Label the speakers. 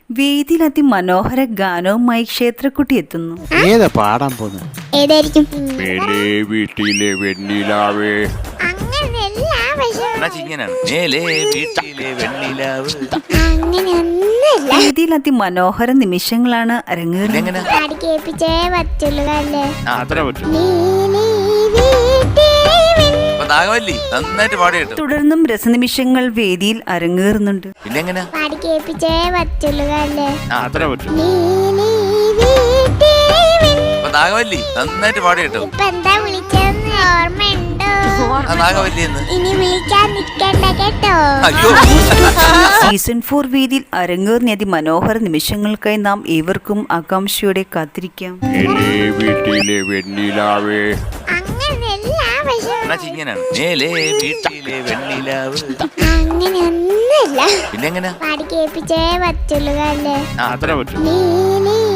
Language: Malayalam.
Speaker 1: വേദിയിൽ അതിമനോഹര ഗാനവുമായി ക്ഷേത്രക്കുട്ടി എത്തുന്നു.
Speaker 2: ഏതാ പാടാൻ പോകുന്നത്?
Speaker 3: ഏതായിരിക്കും?
Speaker 2: മേലേ വീട്ടിലെ വെണ്ണിലാവേ.
Speaker 1: വേദിയിൽ അതിമനോഹര നിമിഷങ്ങളാണ് അരങ്ങേറുന്നത്.
Speaker 3: കേൾപ്പിച്ചേ പറ്റുള്ളൂ അല്ലേ?
Speaker 2: അത്ര പറ്റും.
Speaker 4: നന്നായിട്ട് പാടി കേട്ടോ.
Speaker 1: തുടർന്നും രസനിമിഷങ്ങൾ വേദിയിൽ അരങ്ങേറുന്നുണ്ട്.
Speaker 4: പിന്നെ
Speaker 3: കേൾപ്പിച്ചേ പറ്റുള്ളൂ അല്ലേ?
Speaker 2: അത്ര പറ്റും.
Speaker 4: നാഗവല്ലി നന്നായിട്ട് പാടി കേട്ടോ.
Speaker 3: ഇപ്പൊ എന്താ വിളിച്ചതെന്ന് ഓർമ്മയുണ്ടോ?
Speaker 4: നാഗവല്ലി എന്ന്
Speaker 3: ഇനി വിളിക്കാൻ നിൽക്കണ്ട കേട്ടോ.
Speaker 4: അയ്യോ.
Speaker 1: സീസൺ 4 വേദിയിൽ അരങ്ങേറിയ അതിമനോഹര നിമിഷങ്ങൾക്കായി നാം ഏവർക്കും ആകാംക്ഷയോടെ കാത്തിരിക്കാം.
Speaker 2: മേലേ വീട്ടിലെ വെണ്ണിലാവേ.
Speaker 4: മേലേ വീട്ടിലെ വെണ്ണിലാവ്.
Speaker 3: അങ്ങനെയൊന്നുമില്ല.
Speaker 4: പിന്നെ
Speaker 3: പാടി കേൾപ്പിച്ചേ പറ്റുള്ളൂ അല്ലേ?
Speaker 2: അത്ര പറ്റും.
Speaker 3: നീ